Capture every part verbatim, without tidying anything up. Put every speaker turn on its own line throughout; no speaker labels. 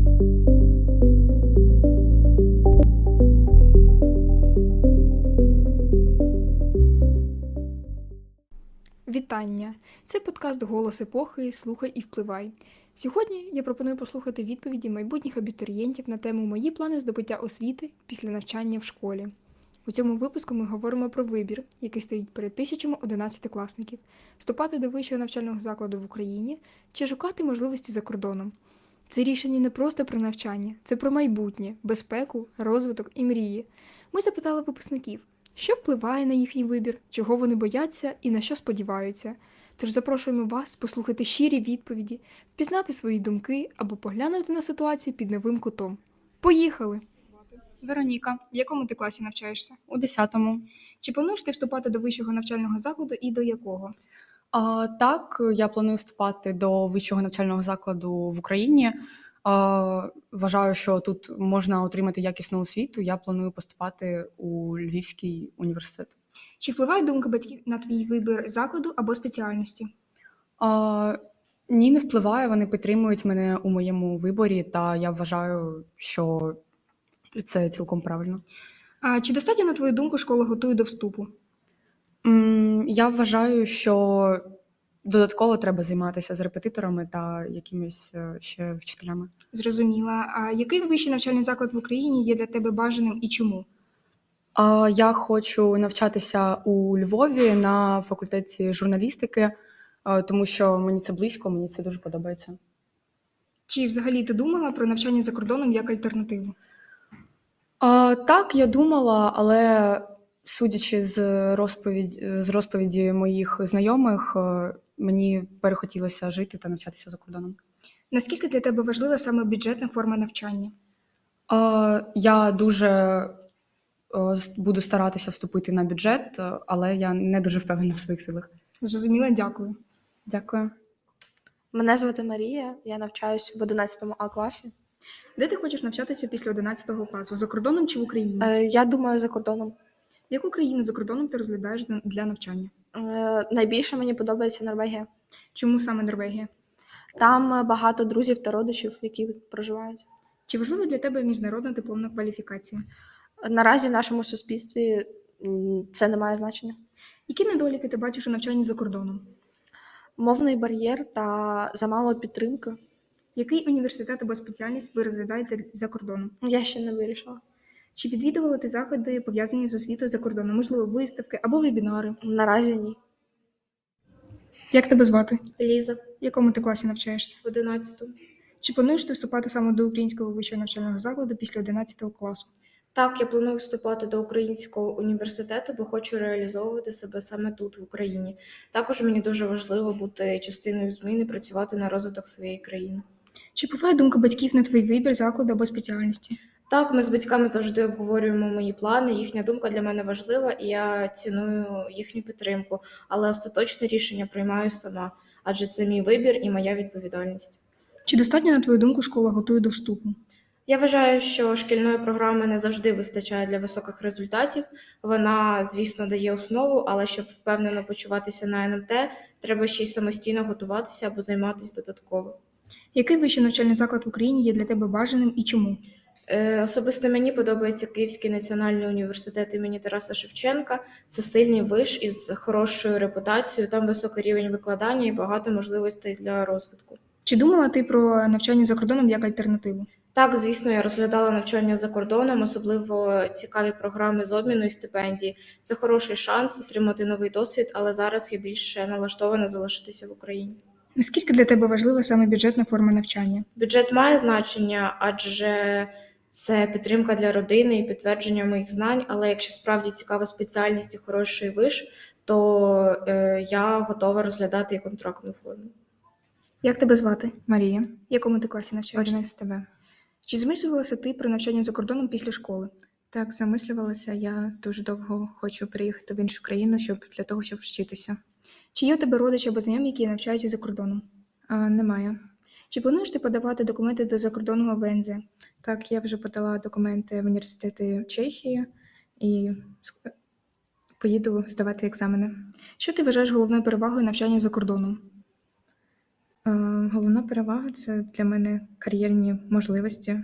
Вітання! Це подкаст «Голос епохи. Слухай і впливай». Сьогодні я пропоную послухати відповіді майбутніх абітурієнтів на тему «Мої плани здобуття освіти після навчання в школі». У цьому випуску ми говоримо про вибір, який стоїть перед тисячами одинадцятикласників – вступати до вищого навчального закладу в Україні чи шукати можливості за кордоном. Це рішення не просто про навчання, це про майбутнє, безпеку, розвиток і мрії. Ми запитали випускників, що впливає на їхній вибір, чого вони бояться і на що сподіваються. Тож запрошуємо вас послухати щирі відповіді, впізнати свої думки або поглянути на ситуацію під новим кутом. Поїхали! Вероніка, в якому ти класі навчаєшся?
У десятому.
Чи плануєш ти вступати до вищого навчального закладу і до якого?
А, так, я планую вступати до вищого навчального закладу в Україні. А, вважаю, що тут можна отримати якісну освіту. Я планую поступати у Львівський університет.
Чи впливає думка батьків на твій вибір закладу або спеціальності?
А, ні, не впливає. Вони підтримують мене у моєму виборі, та я вважаю, що це цілком правильно.
А чи достатньо, на твою думку, школа готує до вступу?
М, Я вважаю, що додатково треба займатися з репетиторами та якимись е, ще вчителями.
Зрозуміла. А який вищий навчальний заклад в Україні є для тебе бажаним і чому?
А, Я хочу навчатися у Львові на факультеті журналістики, е, тому що мені це близько, мені це дуже подобається.
Чи взагалі ти думала про навчання за кордоном як альтернативу?
А, Так, я думала, але судячи з розповідь, з розповіді моїх знайомих, е, мені перехотілося жити та навчатися за кордоном.
Наскільки для тебе важлива саме бюджетна форма навчання?
А, Я дуже е, с- буду старатися вступити на бюджет, е, але я не дуже впевнена в своїх силах.
Зрозуміла, дякую.
Дякую.
Мене звати Марія, я навчаюсь в одинадцятому А класі.
Де ти хочеш навчатися після одинадцятого класу? За кордоном чи в Україні?
Е, Я думаю за кордоном.
Яку країну за кордоном ти розглядаєш для- для навчання?
Е, Найбільше мені подобається Норвегія.
Чому саме Норвегія?
Там е, багато друзів та родичів, які проживають.
Чи важлива для тебе міжнародна дипломна кваліфікація?
Наразі в нашому суспільстві м, це не має значення.
Які недоліки ти бачиш у навчанні за кордоном?
Мовний бар'єр та замало підтримки.
Який університет або спеціальність ви розглядаєте за кордоном?
Я ще не вирішила.
Чи відвідували ти заходи, пов'язані з освітою за кордоном? Можливо, виставки або вебінари?
Наразі ні.
Як тебе звати?
Ліза,
В якому ти класі навчаєшся?
в одинадцятому.
Чи плануєш ти вступати саме до українського вищого навчального закладу після одинадцятого класу?
Так, я планую вступати до українського університету, бо хочу реалізовувати себе саме тут, в Україні. Також мені дуже важливо бути частиною змін і працювати на розвиток своєї країни.
Чи впливає думка батьків на твій вибір закладу або спеціальності?
Так, ми з батьками завжди обговорюємо мої плани, їхня думка для мене важлива, і я ціную їхню підтримку, але остаточне рішення приймаю сама, адже це мій вибір і моя відповідальність.
Чи достатньо, на твою думку, школа готує до вступу?
Я вважаю, що шкільної програми не завжди вистачає для високих результатів. Вона, звісно, дає основу, але щоб впевнено почуватися на ен ем те, треба ще й самостійно готуватися або займатися додатково.
Який вищий навчальний заклад в Україні є для тебе бажаним і чому?
Е, Особисто мені подобається Київський національний університет імені Тараса Шевченка. Це сильний виш із хорошою репутацією, там високий рівень викладання і багато можливостей для розвитку.
Чи думала ти про навчання за кордоном як альтернативу?
Так, звісно, я розглядала навчання за кордоном, особливо цікаві програми з обміну і стипендії. Це хороший шанс отримати новий досвід, але зараз я більше налаштована залишитися в Україні.
Наскільки для тебе важлива саме бюджетна форма навчання?
Бюджет має значення, адже це підтримка для родини і підтвердження моїх знань, але якщо справді цікава спеціальність і хороший виш, то е, я готова розглядати і контрактну форму.
Як тебе звати?
Марія,
В якому ти класі навчаєшся?
одинадцять тебе.
Чи змислювалася ти про навчання за кордоном після школи?
Так, замислювалася. Я дуже довго хочу приїхати в іншу країну, щоб для того, щоб вчитися.
Чи є у тебе родичі або знайомі, які навчаються за кордоном?
А, немає.
Чи плануєш ти подавати документи до закордонного в ен зе?
Так, я вже подала документи в університети Чехії і ск- поїду здавати екзамени.
Що ти вважаєш головною перевагою навчання за кордоном?
Е, Головна перевага це для мене кар'єрні можливості.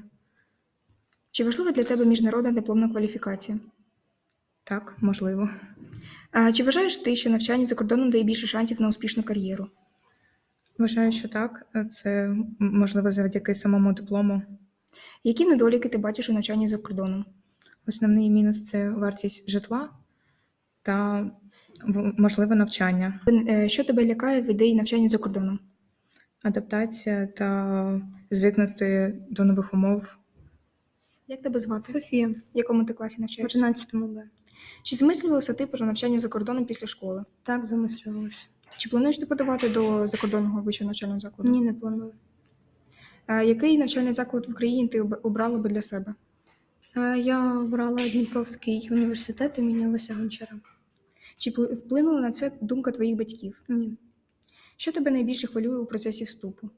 Чи важлива для тебе міжнародна дипломна кваліфікація?
Так, можливо.
А чи вважаєш ти, що навчання за кордоном дає більше шансів на успішну кар'єру?
Вважаю, що так. Е, Це м, можливо завдяки самому диплому.
Які недоліки ти бачиш у навчанні за кордоном?
Основний мінус це вартість житла та в- можливе навчання,
Е, Що тебе лякає в ідеї навчання за кордоном?
адаптація та звикнути до нових умов.
Як тебе звати?
Софія,
В якому ти класі
в
навчаєшся?
одинадцятому Б.
Чи замислювалася ти про навчання за кордоном після школи?
Так, замислювалася.
Чи плануєш ти подавати до закордонного вищого навчального закладу?
Ні, не планую.
А який навчальний заклад в Україні ти об- обрала би для себе?
Е, Я обрала Дніпровський університет імені Леся Гончара.
Чи пли- вплинула на це думка твоїх батьків?
Ні.
Що тебе найбільше хвилює у процесі вступу?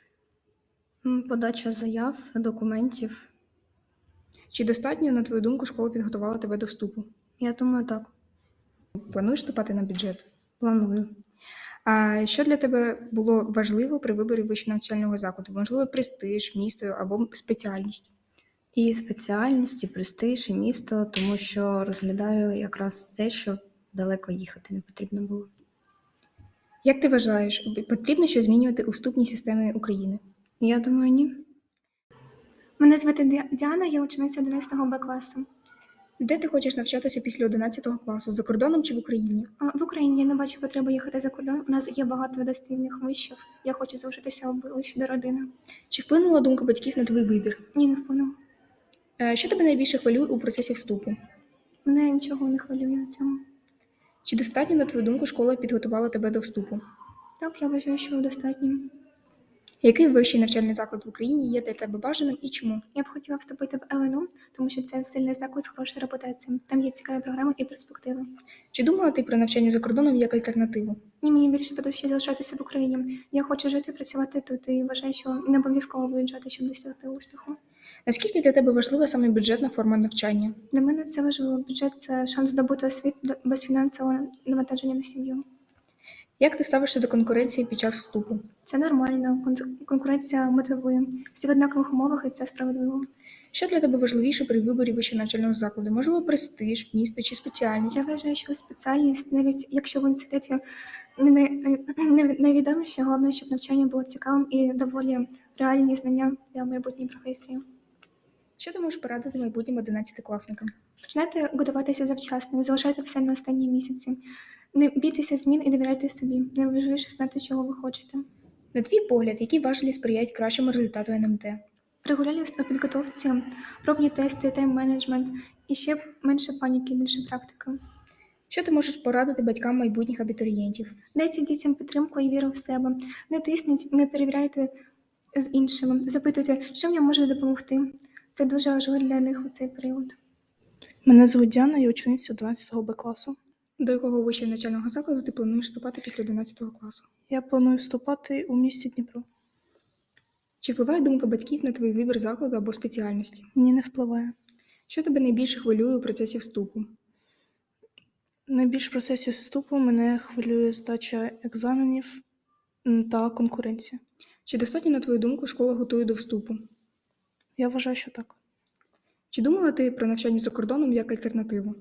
М, Подача заяв, документів.
Чи достатньо, на твою думку, школа підготувала тебе до вступу?
Я думаю, так.
Плануєш вступати на бюджет?
Планую.
А що для тебе було важливо при виборі вищого навчального закладу? Можливо, престиж, місто або спеціальність?
І спеціальність, і престиж, і місто, тому що розглядаю якраз те, що далеко їхати не потрібно було.
Як ти вважаєш, потрібно щось змінювати у вступній системі України?
Я думаю, ні.
Мене звати Ді- Діана, я учениця одинадцятого Б класу.
Де ти хочеш навчатися після одинадцятого класу? За кордоном чи в Україні?
А, В Україні я не бачу потреби їхати за кордон. У нас є багато достойних вишів. Я хочу залишитися ближче до родини.
Чи вплинула думка батьків на твій вибір?
Ні, не впевнена.
Е, Що тебе найбільше хвилює у процесі вступу?
Мене нічого не хвилює в цьому.
Чи достатньо, на твою думку, школа підготувала тебе до вступу?
Так, я вважаю, що достатньо.
Який вищий навчальний заклад в Україні є для тебе бажаним і чому?
Я б хотіла вступити в Ел Ен У, тому що це сильний заклад з хорошою репутацією. Там є цікаві програми і перспективи.
Чи думала ти про навчання за кордоном як альтернативу?
Ні, мені більше по душі залишатися в Україні. Я хочу жити і працювати тут і вважаю, що не обов'язково виїжджати, щоб досягти успіху.
Наскільки для тебе важлива саме бюджетна форма навчання?
Для мене це важливо. Бюджет це шанс здобути освіту до- без фінансового навантаження на сім'ю.
Як ти ставишся до конкуренції під час вступу?
Це нормально, кон- конкуренція мотивує. Всі в однакових умовах, і це справедливо.
Що для тебе важливіше при виборі вищого навчального закладу? Можливо, престиж, місто чи спеціальність?
Я вважаю, що спеціальність, навіть якщо в університеті не най- не найвідоміше, головне, щоб навчання було цікавим і доволі реальні знання для майбутньої професії.
Що ти можеш порадити майбутнім одинадцятикласникам?
Починайте готуватися завчасно, не залишайте все на останні місяці. Не бійтеся змін і довіряйте собі. Найважливіше знати, чого ви хочете.
На твій погляд, які важелі сприяють кращому результату ен ем те?
Регулярність у підготовці, пробні тести, тайм-менеджмент і ще менше паніки, більше практики.
Що ти можеш порадити батькам майбутніх абітурієнтів?
Дайте дітям підтримку і віру в себе. Не тисніть, не перевіряйте з іншими. Запитуйте, чим я можу допомогти. Це дуже важливо для них у цей період.
Мене звуть Діана, я учениця одинадцятого Б класу.
До якого вищого навчального закладу ти плануєш вступати після одинадцятого класу?
Я планую вступати у місті Дніпро.
Чи впливає думка батьків на твій вибір закладу або спеціальності?
Ні, не впливає.
Що тебе найбільше хвилює у процесі вступу?
Найбільш в процесі вступу мене хвилює здача екзаменів м, та конкуренція.
Чи достатньо, на твою думку, школа готує до вступу?
Я вважаю, що так.
Чи думала ти про навчання за кордоном як альтернативу?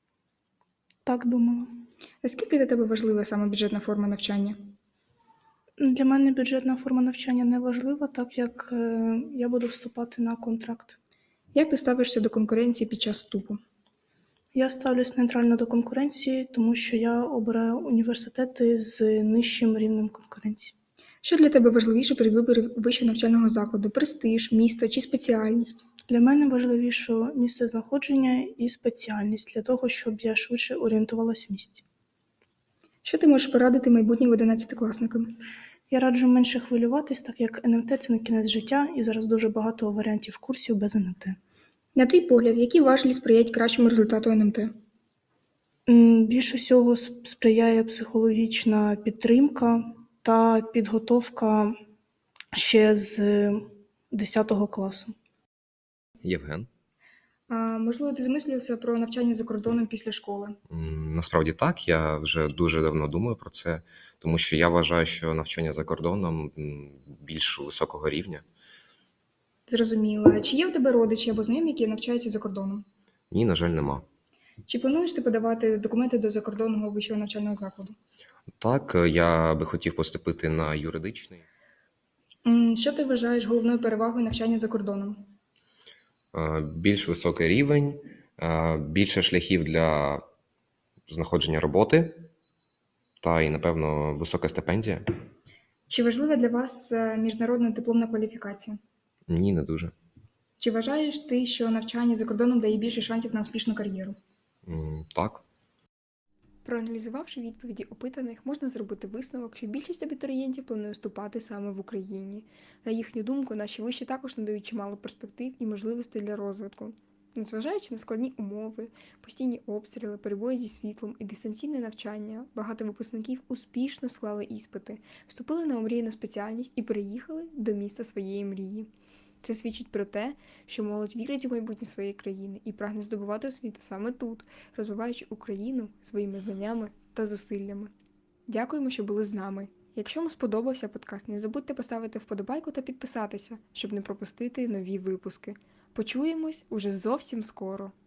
Так думала.
Наскільки для тебе важлива саме бюджетна форма навчання?
Для мене бюджетна форма навчання не важлива, так як е, я буду вступати на контракт.
Як ти ставишся до конкуренції під час вступу?
Я ставлюсь нейтрально до конкуренції, тому що я обираю університети з нижчим рівнем конкуренції.
Що для тебе важливіше при виборі вищого навчального закладу? Престиж, місто чи спеціальність?
Для мене важливіше місце знаходження і спеціальність, для того, щоб я швидше орієнтувалася в місті.
Що ти можеш порадити майбутнім одинадцятикласникам?
Я раджу менше хвилюватись, так як ен ем те – це не кінець життя, і зараз дуже багато варіантів курсів без ен ем те.
На твій погляд, які важелі сприяють кращому результату ен ем те?
М, Більш усього сп- сприяє психологічна підтримка та підготовка ще з десятого класу.
Євген.
А, можливо, ти замислювався про навчання за кордоном після школи?
М, Насправді так, я вже дуже давно думаю про це, тому що я вважаю, що навчання за кордоном м, більш високого рівня.
Зрозуміла. Чи є в тебе родичі або знайомі, які навчаються за кордоном?
Ні, на жаль, нема.
Чи плануєш ти подавати документи до закордонного вищого навчального закладу?
Так, е, я би хотів поступити на юридичний.
М, Що ти вважаєш головною перевагою навчання за кордоном?
Е, Більш високий рівень, е, більше шляхів для знаходження роботи та і, напевно, висока стипендія.
Чи важлива для вас е, міжнародна дипломна кваліфікація?
Ні, не дуже.
Чи вважаєш ти, що навчання за кордоном дає більше шансів на успішну кар'єру?
М, Так.
Проаналізувавши відповіді опитаних, можна зробити висновок, що більшість абітурієнтів планує вступати саме в Україні. На їхню думку, наші виші також надають чимало перспектив і можливостей для розвитку. Незважаючи на складні умови, постійні обстріли, перебої зі світлом і дистанційне навчання, багато випускників успішно склали іспити, вступили на омріяну спеціальність і переїхали до міста своєї мрії. Це свідчить про те, що молодь вірить у майбутнє своєї країни і прагне здобувати освіту саме тут, розвиваючи Україну своїми знаннями та зусиллями. Дякуємо, що були з нами. Якщо вам сподобався подкаст, не забудьте поставити вподобайку та підписатися, щоб не пропустити нові випуски. Почуємось уже зовсім скоро.